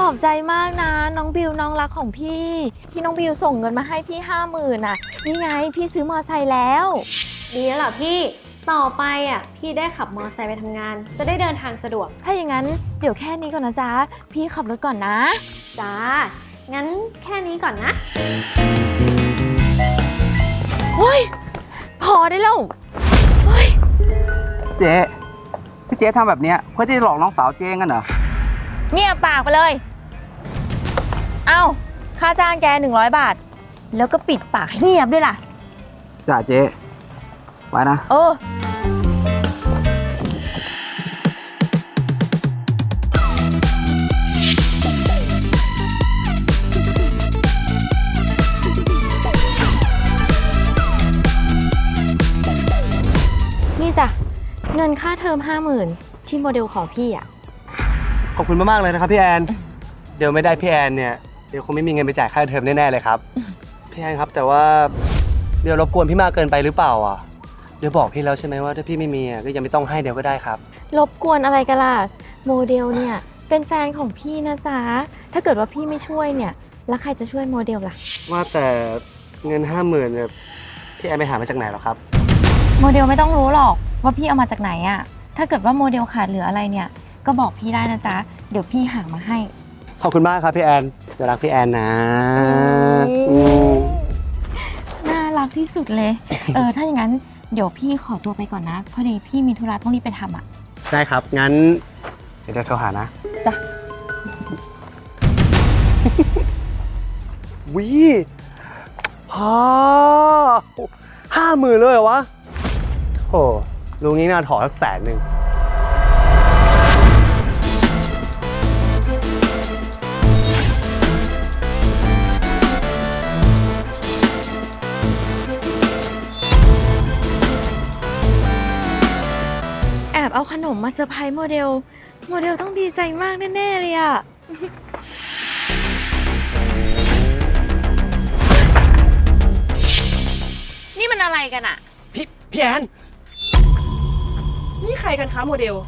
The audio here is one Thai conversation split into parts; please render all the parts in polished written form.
อบใจมากนะน้องบิวน้องรักของพี่ที่น้องบิวส่งเงินมาให้พี่50,000นี่ไงพี่ซื้อมอไซค์แล้วดีแล้วเหรอพี่ต่อไปพี่ได้ขับมอเตอร์ไซค์ไปทำงานจะได้เดินทางสะดวกถ้าอย่างนั้นเดี๋ยวแค่นี้ก่อนนะจ๊ะพี่ขับรถก่อนนะจ้างั้นแค่นี้ก่อนนะเฮ้ยพอได้แล้วเฮ้ยเจ๊ที่เจ๊ทำแบบนี้เพื่อที่จะหลอกน้องสาวเจ๊กันเหรอเงียบปากไปเลยเอ้าค่าจ้างแก100 บาทแล้วก็ปิดปากให้เงียบด้วยล่ะจ้าเจ๊ไว้นะนี่จ้ะเงินค่าเทอม50,000ที่โมเดลของพี่ขอบคุณมากๆเลยนะครับพี่แอนเดี๋ยวไม่ได้พี่แอนเนี่ยเดี๋ยวคงไม่มีเงินไปจ่ายค่าเทอมแน่ๆเลยครับพี่แอนครับแต่ว่าเดี๋ยวรบกวนพี่มากเกินไปหรือเปล่าเดี๋ยวบอกพี่แล้วใช่ไหมว่าถ้าพี่ไม่มีก็ยังไม่ต้องให้เดี๋ยวก็ได้ครับรบกวนอะไรกันล่ะโมเดลเนี่ยเป็นแฟนของพี่นะจ๊ะถ้าเกิดว่าพี่ไม่ช่วยเนี่ยแล้วใครจะช่วยโมเดลล่ะว่าแต่เงิน50,000เนี่ยพี่แอนไปหามาจากไหนหรอครับโมเดลไม่ต้องรู้หรอกว่าพี่เอามาจากไหนถ้าเกิดว่าโมเดลขาดเหลืออะไรเนี่ยก็บอกพี่ได้นะจ๊ะเดี๋ยวพี่หามาให้ขอบคุณมากครับพี่แอนจะรักพี่แอนนะน่ารักที่สุดเลยถ้าอย่างนั้นเดี๋ยวพี่ขอตัวไปก่อนนะพอดีพี่มีธุระต้องรีบไปทำได้ครับงั้นเดี๋ยวโทรหานะจ้ะวิ50,000เลยเหรอวะโหลุงนี้น่าถอสัก100,000 แอบเอาขนมมาเซอร์ไพรส์โมเดลต้องดีใจมากแน่ๆเลยนี่มันอะไรกันพี่แอนนี่ใครกันคะโมเดล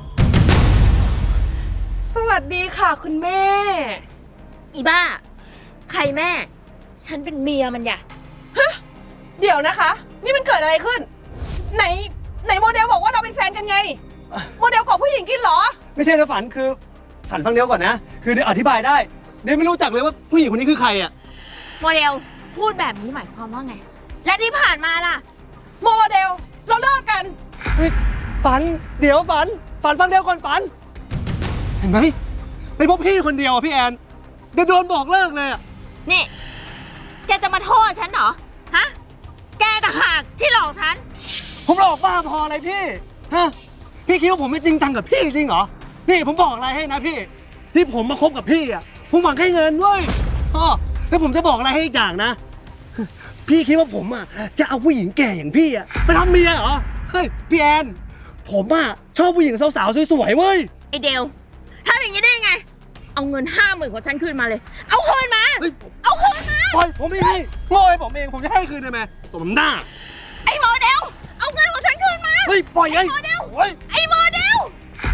สวัสดีค่ะคุณแม่อีบ้าใครแม่ฉันเป็นเมียมันฮะเดี๋ยวนะคะนี่มันเกิดอะไรขึ้นไหนโมเดลบอกว่าเราเป็นแฟนกันไงโมเดลกอบผู้หญิงกินเหรอไม่ใช่นะฝันคือฝันฟังเดียวก่อนนะคือเดี๋ยวอธิบายได้เดี๋ยวไม่รู้จักเลยว่าผู้หญิงคนนี้คือใครโมเดลพูดแบบนี้หมายความว่าไงและที่ผ่านมาล่ะโมเดลเราเลิกกันฝันเดี๋ยวฝันฟังเดียวก่อนฝันเห็นไหมเป็นพวกพี่คนเดียวพี่แอนเดี๋ยวโดนบอกเลิกเลยนี่แกจะมาโทษฉันเหรอฮะแกต่างหากที่หลอกฉันผมหลอกบ้าพออะไรพี่ฮะพี่คิดว่าผมไม่จริงจังกับพี่จริงเหรอนี่ผมบอกอะไรให้นะพี่ที่ผมมาคบกับพี่ผมหวังแค่เงินเว้ยแล้วผมจะบอกอะไรให้อีกอย่างนะพี่คิดว่าผมจะเอาผู้หญิงแก่อย่างพี่ไปทำเมียเหรอเฮ้ยพี่แอนผมชอบผู้หญิงสาวๆสวยๆเว้ยไอเดลทำอย่างนี้ได้ยังไงเอาเงิน50,000ของฉันคืนมาเลยเอาคืนมาเอาคืนมาปล่อยผมไม่ให้โง่ผมเองผมจะให้คืนได้ไหมสมหน้าไอโมเดลเอาเงินของฉันคืนมาเฮ้ยปล่อยไอ้โมเดลไอโมเดล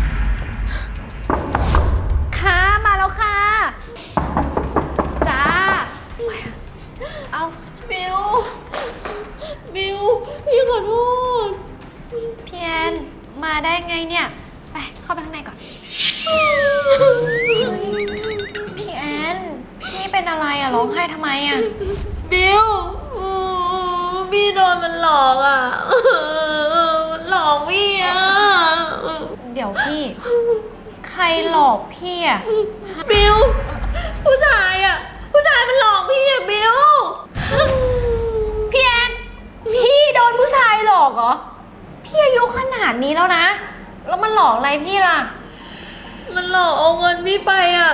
ค่ะมาแล้วค่ะจ้าเอาบิวพี่ขอโทษพี่แอนมาได้ไงเนี่ยไปเข้าไปข้างในก่อนพี่แอนพี่เป็นอะไรร้องไห้ทำไมบิวพี่โดนมันหลอกมันหลอกพี่เดี๋ยวพี่ใครหลอกพี่บิวผู้ชายมันหลอกพี่บิวพี่แอนพี่โดนผู้ชายหลอกเหรอพี่อายุขนาดนี้แล้วนะแล้วมันหลอกอะไรพี่ล่ะมันหลอกเอาเงินพี่ไป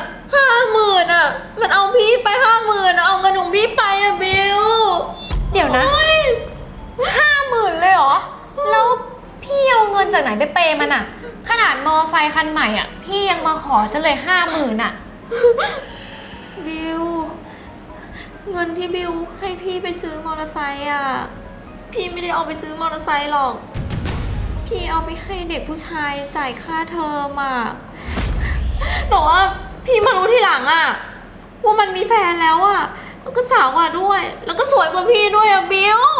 50,000มันเอาพี่ไป50,000เอาเงินของพี่ไปบิวเดี๋ยวนะ50,000เลยเหรอแล้วพี่เอาเงินจากไหนไปเปย์มันขนาดมอไซค์คันใหม่พี่ยังมาขอฉันเลย50,000บิวเงินที่บิวให้พี่ไปซื้อมอเตอร์ไซค์พี่ไม่ได้เอาไปซื้อมอเตอร์ไซค์หรอกพี่เอาไปให้เด็กผู้ชายจ่ายค่าเทอมแต่ว่าพพี่มารู้ทีหลังอะว่ามันมีแฟนแล้วอะแล้วก็สาวกว่าด้วย แล้วก็สวยกว่าพี่ด้วยอะบิว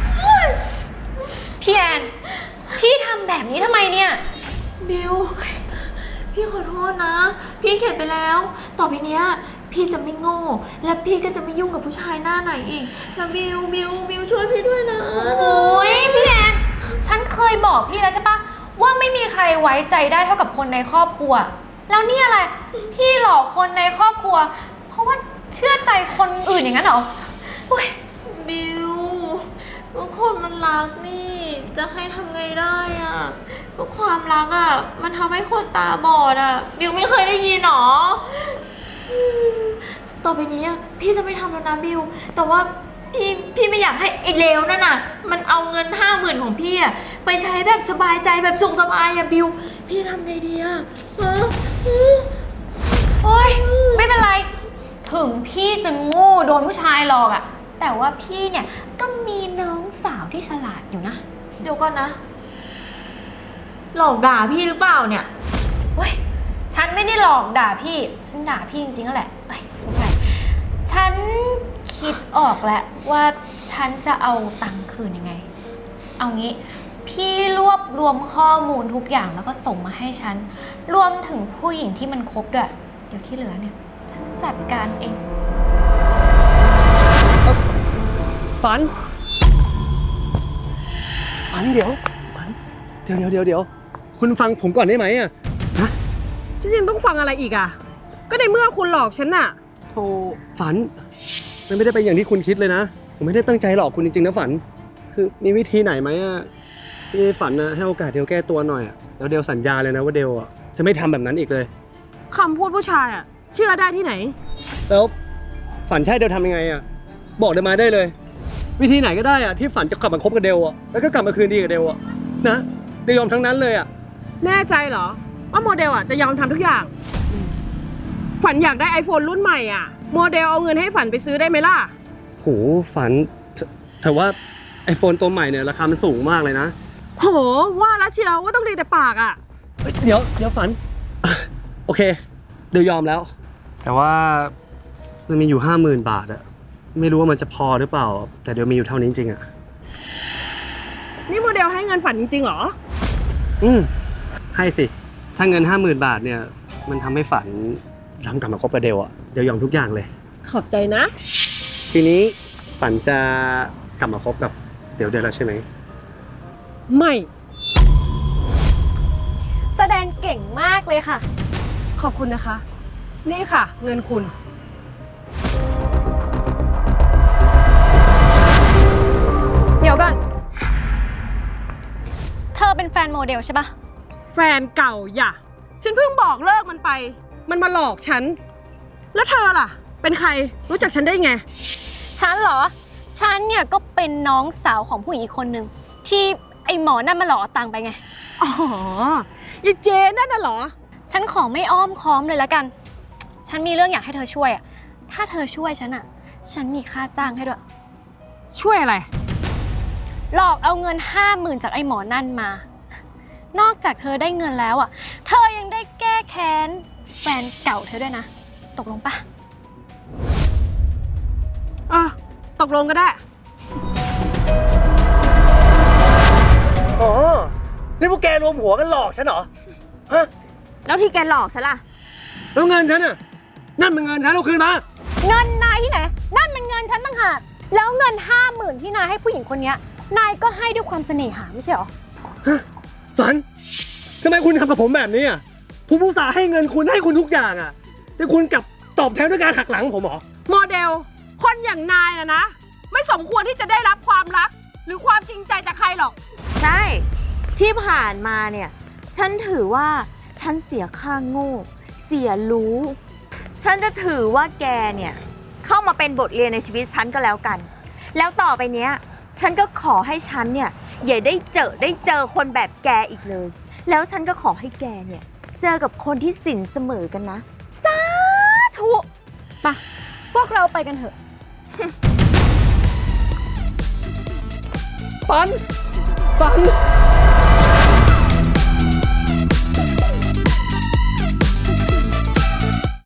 พี่แอน พี่ทำแบบนี้ทำไมเนี่ยบิว พี่ขอโทษนะ พี่เข็ดไปแล้ว ต่อไปเนี้ยพี่จะไม่โง่ และพี่ก็จะไม่ยุ่งกับผู้ชายหน้าไหนอีกนะบิวช่วยพี่ด้วยนะโอ้ยพี่แอน ฉันเคยบอกพี่แล้วใช่ปะว่าไม่มีใครไว้ใจได้เท่ากับคนในครอบครัว แล้วนี่อะไร พี่หลอกคนในครอบครัว เพราะว่าเชื่อใจคนอื่นอย่างนั้นเหรอโอ้ยบิวก็คนมันรักนี่ จะให้ทำไงได้อะก็ความรักอะมันทำให้คนตาบอดอะบิวไม่เคยได้ยินหรอต่อไปนี้อะพี่จะไม่ทำแล้วนะบิว แต่ว่าพี่ไม่อยากให้ไอ้เลวนั่นน่ะ มันเอาเงิน50,000ของพี่อะไปใช้แบบสบายใจแบบสุขสบายอะบิว พี่ทำไงดีอะฮะโอ๊ยไม่เป็นไร ถึงพี่จะโง่โดนผู้ชายหลอกอะแต่ว่าพี่เนี่ยก็มีน้องสาวที่ฉลาดอยู่นะเดี๋ยวก่อนนะ หลอกด่าพี่หรือเปล่าเนี่ยเว้ย ฉันไม่ได้หลอกด่าพี่ ฉันด่าพี่จริงๆนั่นแหละเอ้ยไม่ใช่ ฉันคิดออกแล้วว่าฉันจะเอาตังค์คืนยังไง เอางี้ พี่รวบรวมข้อมูลทุกอย่างแล้วก็ส่งมาให้ฉัน รวมถึงผู้หญิงที่มันคบด้วย เดี๋ยวที่เหลือเนี่ย ฉันจัดการเองฝันเดี๋ยวคุณฟังผมก่อนได้ไหมอ่ะฉันยังต้องฟังอะไรอีกอ่ะ ก็ในเมื่อคุณหลอกฉันน่ะโธ่ฝันมันไม่ได้เป็นอย่างที่คุณคิดเลยนะ ผมไม่ได้ตั้งใจหลอกคุณจริงๆนะฝัน คือมีวิธีไหนไหมอ่ะที่ฝันนะให้โอกาสเดลแก้ตัวหน่อยอ่ะแล้วเดลสัญญาเลยนะว่าเดลอ่ะจะไม่ทำแบบนั้นอีกเลยคำพูดผู้ชายอ่ะ เชื่อได้ที่ไหนแล้วฝันใช่เดลทำยังไงอ่ะบอกเดลมาได้เลย วิธีไหนก็ได้อ่ะที่ฝันจะกลับมาคบกับเดลอ่ะแล้วก็กลับมาคืนดีกับเดลอ่ะนะเดลยอมทั้งนั้นเลยอ่ะแน่ใจเหรอ ว่าโมเดลอ่ะจะยอมทำทุกอย่าง ฝันอยากได้ iPhone รุ่นใหม่อ่ะ โมเดลเอาเงินให้ฝันไปซื้อได้ไหมล่ะโหฝันแต่ว่า iPhone ตัวใหม่เนี่ยราคามันสูงมากเลยนะโห ว่าแล้วเชียวว่าต้องดีแต่ปากอ่ะเดี๋ยวฝันอ่ะโอเคเดี๋ยวยอมแล้ว แต่ว่ามันมีอยู่50,000 บาทอะไม่รู้ว่ามันจะพอหรือเปล่า แต่เดี๋ยวมีอยู่เท่านี้จริงๆอะนี่โมเดลให้เงินฝันจริงๆเหรอให้สิถ้าเงิน50,000 บาทเนี่ยมันทำให้ฝันย้อนกลับมาคบกับเดลอะเดี๋ยวยอมทุกอย่างเลยขอบใจนะทีนี้ฝันจะกลับมาคบกับเดลได้แล้วใช่ไหมไม่แสดงเก่งมากเลยค่ะขอบคุณนะคะ นี่ค่ะ เงินคุณเดี๋ยวก่อน เธอเป็นแฟนโมเดลใช่ปะแฟนเก่าอย่า ฉันเพิ่งบอกเลิกมันไป มันมาหลอกฉัน แล้วเธอล่ะ เป็นใคร รู้จักฉันได้ไงฉันเหรอ ฉันเนี่ยก็เป็นน้องสาวของผู้หญิงอีกคนนึงที่ไอหมอนั่นมาหลอกเอาตังค์ไปไงอ๋อยีเจนั่นน่ะเหรอฉันขอไม่อ้อมค้อมเลยละกัน ฉันมีเรื่องอยากให้เธอช่วยอะถ้าเธอช่วยฉันอะฉันมีค่าจ้างให้ด้วยช่วยอะไรหลอกเอาเงิน50,000จากไอหมอนั่นมา นอกจากเธอได้เงินแล้วอะเธอยังได้แก้แค้นแฟนเก่าเธอด้วยนะ ตกลงปะตกลงก็ได้อ๋อ นี่พวกแกรวมหัวกันหลอกฉันเหรอ ฮะแล้วที่แกหลอกฉันล่ะแล้วเงินฉันน่ะ นั่นมันเงินฉันเอาคืนมาเงินนายที่ไหน นั่นเป็นเงินฉันต่างหาก แล้วเงิน50,000ที่นายให้ผู้หญิงคนเนี้ยนายก็ให้ด้วยความเสน่หาไม่ใช่หรอฝันทำไมคุณทำกับผมแบบนี้อ่ะ ผมอุตส่าห์ให้เงินคุณให้คุณทุกอย่างอ่ะแต่คุณกลับตอบแทนด้วยการหักหลังผมเหรอโมเดล คนอย่างนายนะ ไม่สมควรที่จะได้รับความรัก หรือความจริงใจจากใครหรอกใช่ ที่ผ่านมาเนี่ย ฉันถือว่าฉันเสียค่าโง่ เสียรู้ ฉันจะถือว่าแกเนี่ยเข้ามาเป็นบทเรียนในชีวิตฉันก็แล้วกัน แล้วต่อไปเนี้ย ฉันก็ขอให้ฉันเนี่ยอย่าได้เจอคนแบบแกอีกเลย แล้วฉันก็ขอให้แกเนี่ยเจอกับคนที่สินเสมอกันนะ สาธุพวกเราไปกันเถอะฝัน